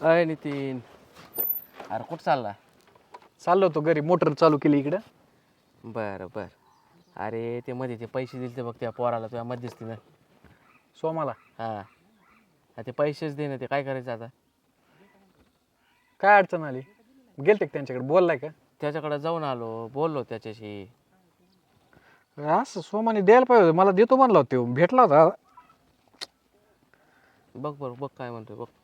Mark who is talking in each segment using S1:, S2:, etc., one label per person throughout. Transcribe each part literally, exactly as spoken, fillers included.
S1: अय नितीन, अरे कुठं चालला?
S2: चाललो होतो घरी, मोटर चालू केली इकडं.
S1: बरं बरं. अरे ते मध्ये ते पैसे दिले ते बघ त्या पोराला तुझ्या मध्यस्थीनं.
S2: सोमाला
S1: हां, ते पैसेच दे ना, ते काय करायचं आता?
S2: काय अडचण आली? गेलते का त्यांच्याकडे, बोललाय का?
S1: त्याच्याकडे जाऊन आलो, बोललो त्याच्याशी.
S2: असं सोमाने द्यायला पाहिजे होतं, मला देतो म्हणला होता तो, भेटला होता.
S1: बघ बरं, बघ काय म्हणतोय बघ.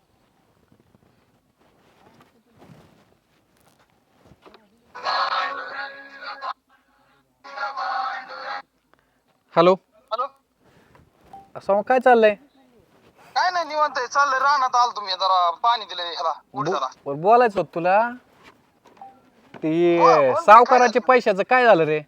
S2: Hello
S3: hello.
S2: सोमा, काय चाललंय?
S3: काय नाही, निवांत आहे, चाललंय. रानात आलो तुम्ही, जरा पाणी दिलंय ह्याला उडदाला.
S2: बो- बोलायचं होतं तुला.
S3: बोल
S2: ते
S3: बोल की, काय
S2: सावकाराच्या
S3: झालं?
S2: पैशाचं काय झालं रे?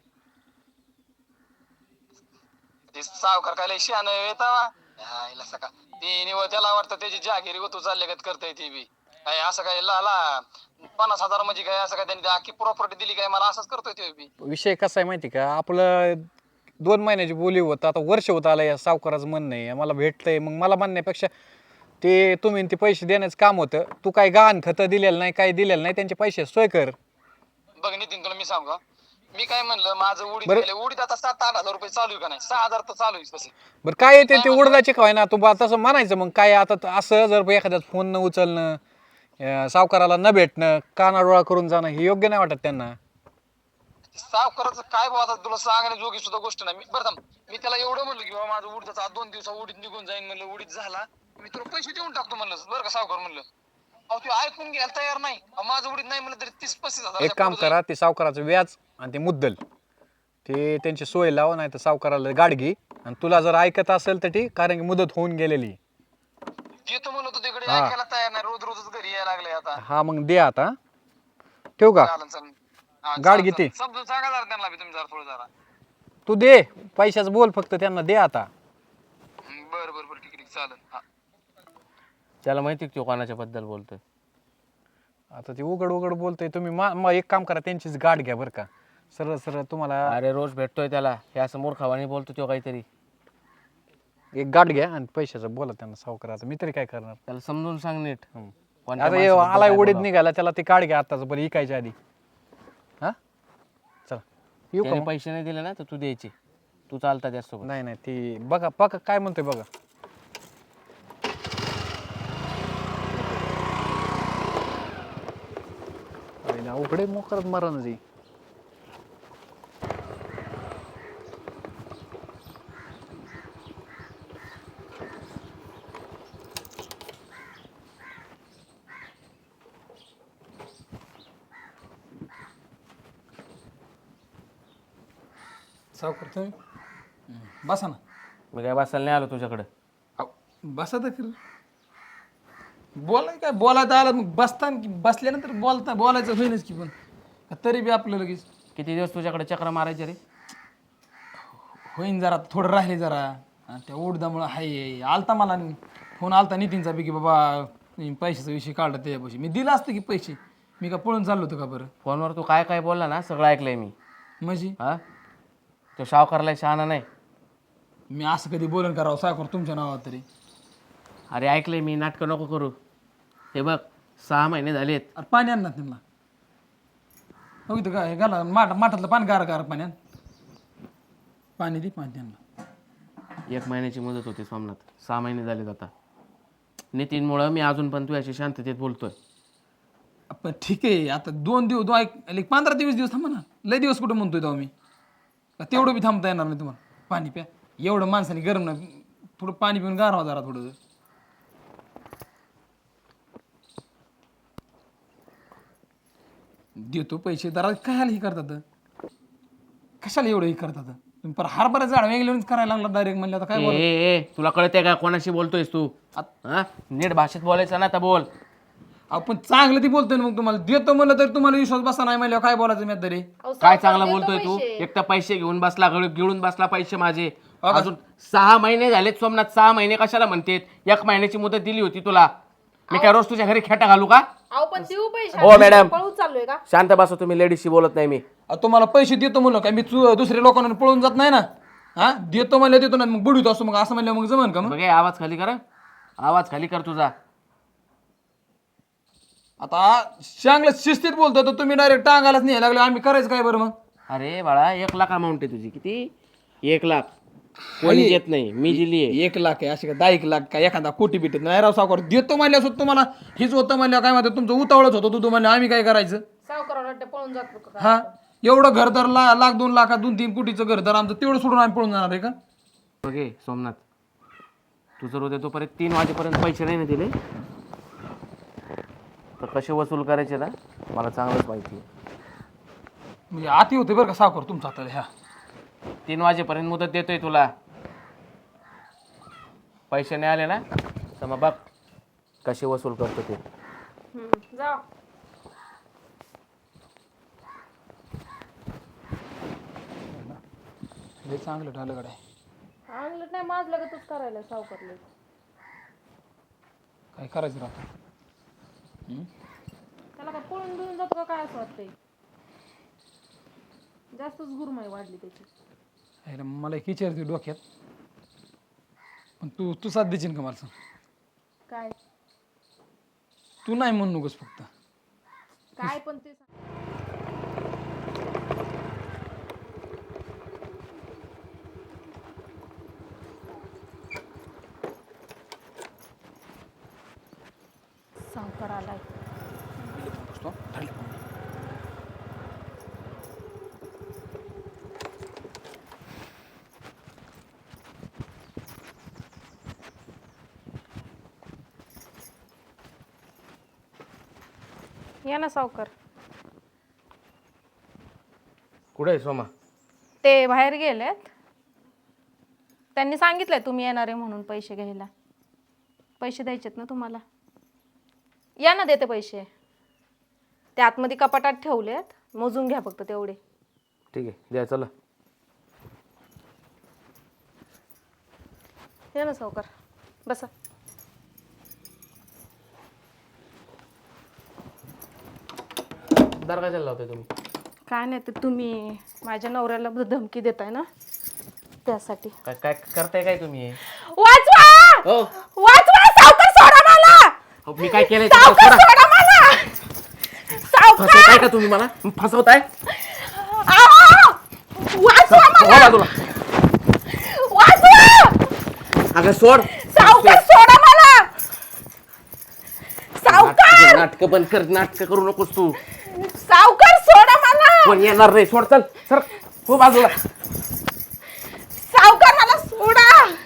S3: ते सावकार काय लय शहाणं आहे तेव्हा. यायला सका ती निवळ त्याला वाटतं त्याची जागिरी गोतू चालल्यागत करताय ती बी. काय असं काय ला ला पन्नास हजार म्हणजे काय असं काय त्यांनी अख्खी प्रॉपर्टी दिली काय मला असंच करतोय ते बी.
S2: विषय कसा आहे माहिती का, आपलं दोन महिन्याची बोली होतं, आता वर्ष होत आलं. या सावकाराचं म्हणणं आहे मला भेटतंय, मग मला म्हणण्यापेक्षा ते तुम्ही ते पैसे देण्याचं काम होतं. तू काय गहाण खतं दिलेलं नाही, काही दिलेलं नाही, त्यांचे पैसे सोय कर.
S3: बघ नितीन, तुला मी सांगू का, मी काय म्हणलं, माझं उडीद
S2: बरं.
S3: गेले, उडीद आता सात आठ हजार रुपये चालू आहे का नाही, सहा हजार तर चालू आहे तसे.
S2: बरं, काय येते
S3: काय
S2: ते
S3: म्हणलं?
S2: उडदाचे काय ना, तू बा तसं म्हणायचं. मग काय आता त- असं जर एखाद्याच फोन न उचलणं, अं, सावकाराला न भेटणं, कानाडोळा करून जाणं, हे योग्य नाही वाटत त्यांना.
S3: सावकाराचं काय बाबा, आता तुला सांगण्याजोगी सुद्धा गोष्ट नाही. मी बरं थांब, मी त्याला एवढं म्हणलं की बाबा माझं उडीदचा आज दोन दिवसा उडीद निघून जाईन म्हणलं, उडीद झाला मी तुला पैसे देऊन टाकतो म्हणलं, बरं का सावकार म्हणलं. अहो ते ऐकून घ्यायला तयार नाही. अहो, माझं उडीद नाही म्हणलं तरी तीस पस्तीस हजार
S2: एक काम करा, ते सावकाराचं व्याज आणि ते मुद्दल ते त्यांची सोय लावा, नाही तर सावकाराला गाडगी. आणि तुला जर ऐकत असेल तर ठीक, कारण की मुदत होऊन गेलेली.
S3: देतो म्हणलं होतं तिकडे,
S2: हा.
S3: ऐकायला तयार नाही. रोज रोजच घरी यायला लागले आता.
S2: हा, मग दे आता. ठेवू का?
S3: चालन चालन. हा,
S2: गाड
S3: चालन,
S2: किती?
S3: चालन. समजून सांगा जरा त्यांना बी तुम्ही जरा थोडं जरा.
S2: तू दे पैशाचं, बोल फक्त त्यांना, दे आता.
S3: हं, बरं बरं बरं, ठीक आहे ठीक आहे, चालेल. हा.
S1: त्याला माहिती की तो कोणाच्या बद्दल बोलतोय.
S2: आता ते उघड उघड बोलतोय. तुम्ही मा मा- एक काम करा, त्यांचीच गाठ घ्या बरं का. सरळ सरळ तुम्हाला
S1: अरे रोज भेटतोय त्याला, हे असं मूर्खावानी बोलतो तो काहीतरी.
S2: एक गाठ घ्या आणि पैशाचं बोला त्यांना, सावकाराचं. मी तरी काय करणार?
S1: त्याला समजून सांग नीट.
S2: हं.
S1: कोणत्या
S2: आता हे
S1: माणसाबद्दल
S2: आलाय
S1: काय
S2: उडीद
S1: बोलावं.
S2: निघाला, त्याला ते काढ घ्या आताच, बरं इकायच्या आधी. हा, चला येऊ का
S1: त्याने
S2: मग?
S1: पैसे नाही दिले ना तर तू द्यायचे. तू चालता त्यासोबत.
S2: नाही नाही, ती बघा बघा काय म्हणतोय बघा. अरे ना, उघडे मोकरत मरण जी.
S4: सावकार तुम्ही बसा ना.
S1: मी काय बसायला नाही आलो तुझ्याकडे.
S4: अहो, बसा तर खरं. बोलाय काय बोलायचं आलं मग बसता की बसल्यानंतर बोलता बोलायचं होईनच की, पण तरी बी आपलं लगेच
S1: किती दिवस तुझ्याकडे चक्र मारायचे रे?
S4: होईन. जरा थोडं राहिले जरा, आणि त्या उडदामुळं हाय आलता मला फोन आलता नितीनचा बी की बाबा तुम्ही पैशाचा विषय काढला त्याच्यापाशी. मी दिला असतं की पैसे, मी का पळून चाललो होतो का बरं?
S1: फोनवर तू काय काय बोलला ना सगळं ऐकलंय मी.
S4: म्हणजे
S1: हा, तो सावकारला शहाणा नाही.
S4: मी असं कधी बोलन करावं सावकार तुमच्या नावात तरी?
S1: अरे ऐकलंय मी, नाटकं नको करू. हे बघ, सहा महिने झालेत.
S4: अरे पाणी आण ना त्यांना. हो इथं काय घाला माठ माठातलं पाणी गारा गारा पाण्यात पाणी दे, पाणी त्यांना.
S1: एक महिन्याची मुदत होती सोमनाथ, सहा महिने झालेत आता. नितीनमुळं मी अजून पण तुझ्याशी शांततेत बोलतोय.
S4: पण ठीक आहे, आता दोन दिवस दो एक एक पंधरा दिवस दिवस थांबा ना. लय दिवस कुठं म्हणतोय तेव्हा मी का तेवढं बी थांबता येणार नाही तुम्हाला? पाणी प्या, एवढं माणसाने गरम नाही, थोडं पाणी पिऊन गारवा जरा थोडं. देतो पैसे जरा, कशाला हे करतात? कशाला एवढं हे करतात तुम्ही? पर हरभरा झाड वेगळं करायला लागला डायरेक्ट म्हणलं, आता काय
S1: ए,
S4: बोल.
S1: ए ए, तुला कळतंय का कोणाशी बोलतोयस तू? हा, नीट भाषेत बोलायचं ना तर बोल.
S4: आपण चांगलं ती बोलतोय ना, मग तुम्हाला देतो म्हणलं तर तुम्हाला विश्वास बसा नाही म्हणल्यावर काय बोलायचं मी तरी?
S1: काय चांगलं बोलतोय तू? एक तर पैसे घेऊन बसला, गळ- गिळून बसला पैसे माझे. अजून सहा महिने झालेत सोमनाथ, सहा महिने कशाला म्हणतेत? एक महिन्याची मुदत दिली होती तुला. मी काय रोज तुझ्या घरी खेटा घालू का?
S5: अहो पण देऊ पैसे.
S1: हो मॅडम,
S5: पळून चाललोय का?
S1: शांत बसा तुम्ही, लेडीजशी बोलत नाही मी.
S4: अहो, तुम्हाला पैसे देतो म्हणलं काय मी चु- दुसऱ्या लोकांना पळून जात नाही ना. हा, देतो म्हणलं देतो ना, मग बुडीतो असतो, मग असं म्हणलं मग जमन का? मग
S1: बघ, हे आवाज खाली कर, आवाज खाली कर तुझा.
S4: आता चांगलं शिस्तीत बोलतो तर तुम्ही डायरेक्ट टांगालाच नाही लागले आम्ही करायचं काय बरं मग
S1: अरे बाळा एक लाख अमाऊंट आहे तुझी किती एक लाख कोणी देत नाही मी दिली आहे
S4: एक लाख आहे असे का दहा एक लाख काय एखादा कोटी बिटीत नाही राव सावकार देतो म्हणल्या सुद्धा तुम्हाला हीच होतं म्हणल्या काय म्हणतात तुमचं उतावळच होतं तू म्हणलं आम्ही काय करायचं
S5: सावकाराला पळून जातो का काय?
S4: हा एवढं घरदार ला लाख दोन लाखात दोन तीन कोटीचं घरदार आमचं तेवढं सोडून आम्ही पळून जाणार आहे का
S1: बघे सोमनाथ तू जर उद्या तोपर्यंत तीन वाजेपर्यंत पैसे नाही ना दिले तर कसे वसूल करायचे ना मला चांगलंच माहिती आहे
S4: म्हणजे आती होते बरं का सावकार तुमचा आता ह्या
S1: तीन वाजेपर्यंत मुदत देतोय तुला पैसे नाही आले ना तर मग बघ कसे वसूल करतो ते
S5: हम्म, जा
S4: लय चांगलं ठरलं गड्या
S5: आणलं नाही माझ लगतच करायला सावकारले
S4: काय करायचं राहतं
S5: त्याला काय पळून बिळून जातो का काय असं वाटतंय जास्तच गुरमाई वाढली त्याची
S4: अरे मला एक विचारते डोक्यात पण तू तू साथ देशील का मला सांग
S5: काय
S4: तू नाही म्हणू नकोस फक्त
S5: काय पण ते सांग. सावकार आलाय या ना सावकार
S1: कुठे आहे सोमा
S5: ते बाहेर गेलेत त्यांनी सांगितलंय तुम्ही येणार आहे म्हणून पैसे घ्यायला पैसे द्यायचेत ना तुम्हाला या ना देते पैसे ते आतमध्ये कपाटात ठेवलेत मोजून घ्या फक्त तेवढे
S1: ठीक आहे द्या चला
S5: या ना सावकार बसा
S1: दार काय लावताय तुम्ही
S5: काय नाही ते तुम्ही माझ्या नवऱ्याला धमकी देताय ना त्यासाठी
S1: काय काय करताय काय तुम्ही
S5: वाचवा
S1: हो
S5: वाचवा सावकार सोडा मला
S1: अहो, मी काय केलंय
S5: सावकार सोडा मला सावकार
S1: फसवताय का तुम्ही मला फसवताय
S5: आहो! वाचवा मला
S1: हो बाजूला
S5: वाचवा
S1: अगं सोड
S5: सावकार सोडा मला सावकार
S1: नाटक बंद कर नाटक करू नकोस तू
S5: सावकार सोडा मला
S1: कोण येणार रे सोड चल सर हो बाजूला
S5: सावकार मला सोडा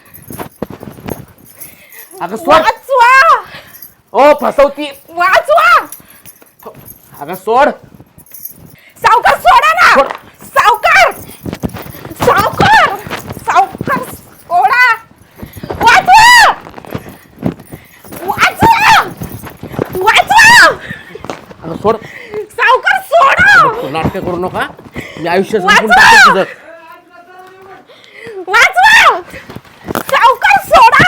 S1: अगं सोड
S5: वाचवा
S1: ओ फसवती
S5: वाचवा
S1: अगं सोड
S5: सावकार सोडा ना
S1: सोड.
S5: सावकार सावकार सावकार सोडा वाचवा वाचवा वाचवा
S1: अगं सोड
S5: सावकार सोडा
S1: तू नाटक करू नका मी आयुष्य
S5: वाचवा.
S1: संपून टाकतो तुझं
S5: वाचवा सावकार सोडा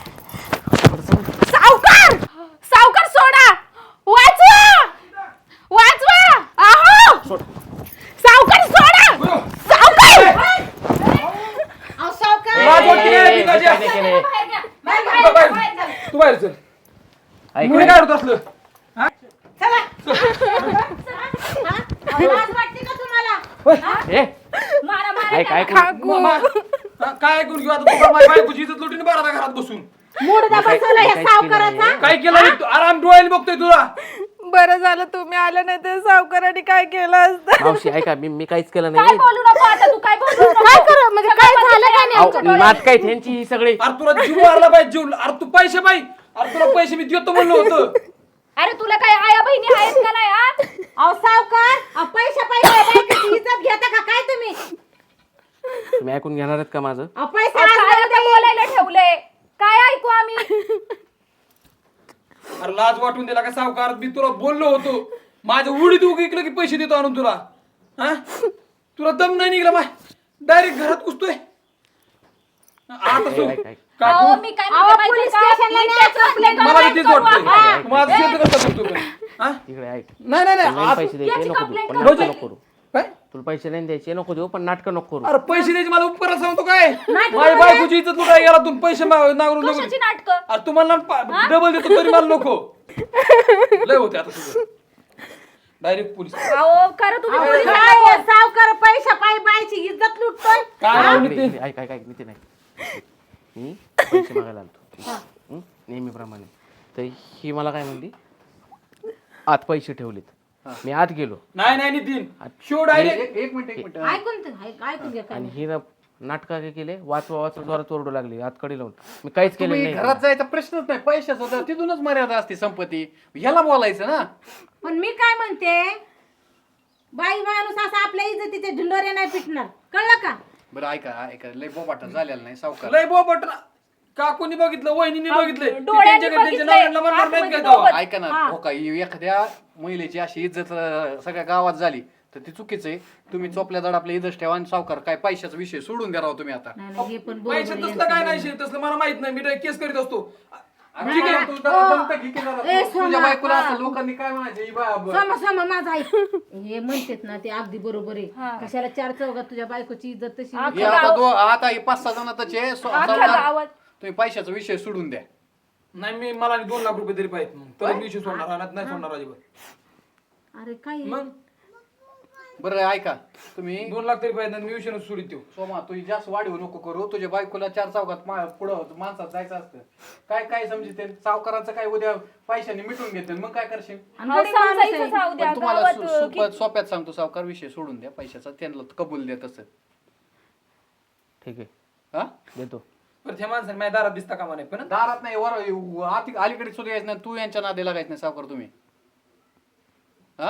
S5: सावकार सावकार सोडा वाचवा वाचवा आहो
S1: सोड
S5: सावकार सोडा सावकार अहो सावकार
S1: ए, ए, ए, काय नाही केलंय.
S4: तू बाहेर चल
S1: ऐक
S4: मुली काय होत असलं
S1: ए, ऐक ऐक
S4: हा, काय ऐकून घेऊ आता तुला माझ्या बायकोची इज्जत लुटीने बरा घरात बसून काय केलं रे? तू आराम डोळ्याने बघतोय तुला
S5: बरं झालं तुम्ही आलं नाही तर सावकाराने काय केलं असतं
S1: मावशी ऐका मी मी काहीच केलं नाही
S5: बोलू नको आता तू काय बोलू काय कर म्हणजे काय झालं का नाही
S1: अहो, नाटक आहेत ह्यांची ही सगळी
S4: अरे तुला जीव मारला पाहिजे जीव अरे तू पैसे पाहिजे अरे तुला पैसे मी देतो म्हणलं होतं
S5: अरे तुला काय आया बहिणी आहेत का नाही आ
S6: अहो सावकार पैसे पैसे बायकोची इज्जत घेता का काय तुम्ही
S1: तुम्ही ऐकून घेणार आहेत का माझं
S6: अहो, पैसे
S5: काय
S6: आज
S5: आता बोलायला ठेवलंय काय ऐकू आम्ही
S4: अरे लाज वाटून दिला का सावकार मी तुला बोललो होतो माझ्या उडीत उग इकडे की पैसे देतो आणून तुला हा तुला दम नाही निघला माय डायरेक्ट घरात घुसतोय आता तू
S1: ऐक, ऐक.
S4: का
S5: अहो,
S4: तू-
S5: मी काय
S6: अहो,
S5: म्हणते
S6: पोलीस
S5: माहिती का?
S6: स्टेशनला
S5: मी
S6: न्यायचं
S5: त्याचं
S6: आपल्या
S5: complaint
S4: मला बी तेच
S5: करू
S4: वाटतंय
S5: आता.
S4: तू माझं शेत करता तू पण. हा?
S1: तिकडे ऐक
S4: नाही नाही नाही
S1: नाही
S4: आज-
S1: पैसे द्यायचे
S5: याची
S1: नको देऊ
S5: complaint
S1: पण
S5: करू.
S1: नाटकं नको करू
S4: काय
S1: तुला पैसे नाही द्यायचे नको देऊ पण नाटकं नको करू
S4: अरे पैसे द्यायचे मला उपकार सांगतो काय माझ्या बायकोची इज्जत लुटाय गेला तुम्ही पैसे मा- नांगरून नको
S5: कशाची नाटकं
S4: अरे तुम्हाला डबल देतो तरी मला नको लय होते आता तुझं डायरेक्ट पोलीस
S5: अहो खरं तुम्ही
S6: अहो,
S5: पोलीस
S6: काय आहे, सावकार पैसा पायी बायची इज्जत लुटतोय
S4: काय नाव
S1: इकडे-
S4: नितीन?
S1: इकडे- ऐक ऐक ऐक नितीन ऐक मी पैसे मागायला आलतो हं? नेहमीप्रमाणे तर ही मला काय म्हणली आत पैसे ठेवलेत मी आत गेलो
S4: नाही नाही नितीन शो डायरेक्ट
S2: एक एक मिनिट एक मिनिट
S6: ऐकून तर- ऐक- ऐकून घ्या काय
S1: आणि ही ना नाटका काय केले वाचवा वाचवा जोरात ओरडू लागली आतकडे लावून मी काहीच केलं
S2: तुम्ही
S1: नाही
S2: घरात जायचा प्रश्नच नाही पैशाचा तर तिथूनच मर्यादा असते संपत्ती ह्याला बोलायचं ना
S6: पण मी काय म्हणते बाई माणूस असा आपल्या इज्जतीच्या ढिंडोऱ्या नाही पिटणार कळलं का
S2: बरं ऐका ऐका लय बोबाटा झालेला नाही सावकार
S4: लय बोबट ना काकूनी बघितलं वहिनीने बघितलंय ती
S5: डोळ्यांनी
S4: त्यांच्या घरी त्यांच्या
S5: बघितलंय.
S4: नवऱ्याला म्हणणार नाहीत
S5: आतमध्ये
S4: का तेव्हा?
S2: ऐका ना हो का ही एखाद्या महिलेची अशी इज्जत अं, सगळ्या गावात झाली तर ती चुकीचं आहे तुम्ही चोपल्या दड आपल्या इज्जत ठेवा आणि सावकार काय पैशाचा विषय सोडून द्या राव तुम्ही आता
S6: नाही नाही, हे पण बरोबर
S4: पैसे
S6: आहे.
S4: तसलं काय नाही शे, तसलं मला माहित नाही मी डायरेक्ट केस करीत असतो
S2: ठीक आहे, तू जरा दमतं घे की जरा.
S6: ए,
S2: तू- तुझ्या
S6: सोमा,
S2: बायकोला
S6: हा.
S2: असं लोकांनी काय म्हणायचं ही बा- ब-
S6: सम सम माझा ऐक हे म्हणतात ना ते अगदी बरोबर आहे कशाला चार चौघात तुझ्या बायकोची इज्जत तशी
S2: हे आता दो आता हे पाच सहा जणातच आहे सो- सावकार,
S5: गावात
S2: तुम्ही पैशाचा विषय सोडून द्या
S4: नाही मी मला आणि दोन लाख रुपये तरी पाहिजे मग तर दिवशी सोडणार रानात नाही सोडणार अजिबात
S6: अरे काय आहे?
S4: मग
S2: बरं ऐका तुम्ही
S4: दोन लाख तरी पाहिजे मी विषय सोडित देऊ
S2: सोमा तुझी जास्त वाढीव नको करू तुझ्या बायकोला चार चौकात मा- पुढं माणसात जायचं असतं काय काय समजते सावकाराचं काय उद्या पैशाने मिटून घेते मग काय करशील
S6: आणि गरीब माणूस आहे.
S2: पण तुम्हाला सो- सोप्यात सोप्यात सांगतो सावकार विषय सोडून द्या पैशाचा त्यांना कबूल द्या तसं
S1: ठीक आहे
S2: हा
S1: देतो
S4: पण त्या माणसाने माझ्या दारात दिसता कामा नाही पण
S2: दारात नाही वर आती अलीकडे सुद्धा यायचं नाही तू यांच्या नादी लागायचं नाही सावकार तुम्ही हा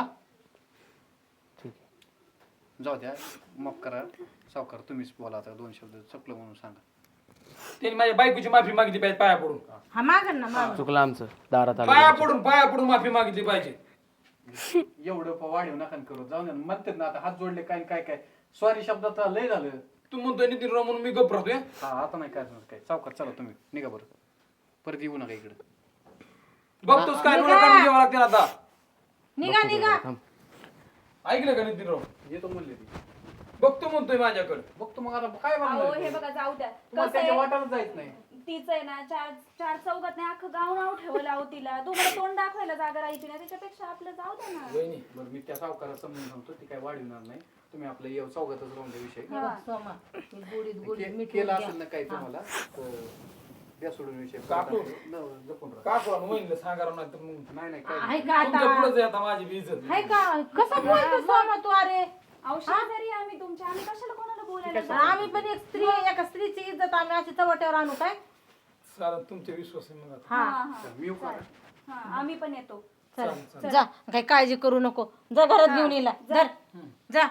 S1: ठीक आहे
S2: जाऊ द्या माफ करा सावकार तुम्हीच बोला आता दोन शब्द चकलं म्हणून सांगा
S4: त्यांनी माझ्या बायकोची माफी मागितली पाहिजे पाया पडून
S6: हा मागण ना माग
S1: चुकलं आमचं दारात
S4: पाया
S1: आलं
S4: पडून पाया पडून माफी मागितली पाहिजे
S2: एवढं प- वाढीव नका करू जाऊ द्या म्हणतात ना आता हात जोडले काय काय काय सॉरी शब्दात लय झालं
S4: तू म्हणतोय नितीन राव म्हणून मी गप राहतोय
S2: हा आता नाही काय काय सावकार चला तुम्ही निघा बरं परत येऊ नका इकडे
S4: बघतोस काय डोळे काढून घ्यावं लागते ना आता
S6: निघा निघा
S1: थांब.
S4: ऐकलं का नितीन राव
S2: येतो म्हणले ती
S4: बघतो म्हणतोय माझ्याकडे
S2: बघतो मग आता काय
S7: अहो
S2: म्हणणार
S7: हे बघा जाऊ द्या
S2: तुम्हाला
S7: कसं
S2: त्याच्या
S7: आहे
S2: वाटायला जायच नाही
S7: तीच आहे ना चार चार चौघात नाही अख्खं गाव नाव ठेवलं अहो तिला तुम्हाला तोंड दाखवायला जागा राहायची नाही त्याच्यापेक्षा आपलं जाऊ द्या ना
S4: वहिनी
S2: बरं मी त्या सावकाराला समजून सांगतो ती काय वाढवणार नाही तुम्ही आपलं येऊ चौघातच राहून द्या विषय
S6: हे बघ, सोमा तू गोडीत गोडीत
S2: के-
S6: मीठ
S2: केला
S6: घ्या.
S2: असेल ना काय तुम्हाला तर द्या सोडून विषय
S4: काकू.
S2: न- जपून राहा
S4: का कोण वहिनीला सांगा राव नाही तर मग
S2: नाही नाही काय
S6: आहे का
S4: तुमच्या
S6: आता
S4: पुढे आता माझी बी इज्जत
S6: आहे का कसं बोलतो सोमा तू अरे
S7: अहो शेजारी आम्ही तुमच्या आम्ही कशाला कोणाला बोलायला जाऊ?
S6: आम्ही पण एक स्त्री एका स्त्रीची इज्जत आम्ही अशी चवट्यावर आणू काय
S4: चालेल तुमचे विश्वास आहे मग आता
S6: हा
S7: हा हा
S2: मी येऊ का?
S7: हा आम्ही पण येतो
S6: चल जा काही काळजी करू नको जा घरात घेऊन येला धर जा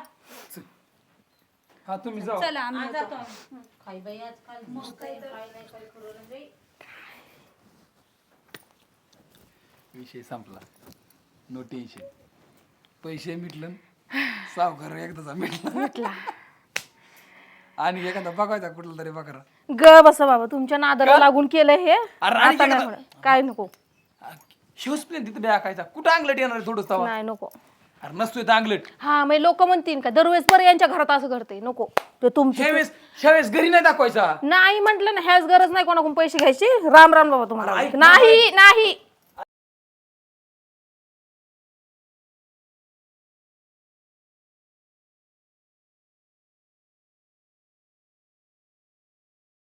S4: हा तुम्ही जाऊ
S7: चला आम्ही
S6: आज
S7: येतो.
S6: जातो आम्ही. काय बाई आजकाल काय काय नाही काय करू बाई
S4: विषय संपला नो टेन्शन पैसे मिटलं सावकार एकदाचा मिटला आणि एखादा बघायचा कुठला तरी बकरा
S5: ग बसा बाबा तुमच्या नादाला लागून केलं हे
S4: अरे आणि
S5: आता नाही
S4: एखादा-
S5: होणार. काय नको
S4: शिवस प्लेन तिथे टाकायचा कुठं अंगलट येणार थोडस तवा
S5: नाही नको
S4: अरे नसतोय तर अंगलट
S5: हा मग लोक म्हणतील का दरवेळेस पर यांच्या घरात असं करते नको ते तुमची
S4: ह्यावेळेस ह्यावेळेस घरी नाही दाखवायचा
S5: नाही म्हंटल ना ह्याच गरज नाही कोणाकडून पैसे घ्यायची राम राम बाबा तुम्हाला
S4: अरे ऐक ना,
S5: नाही नाही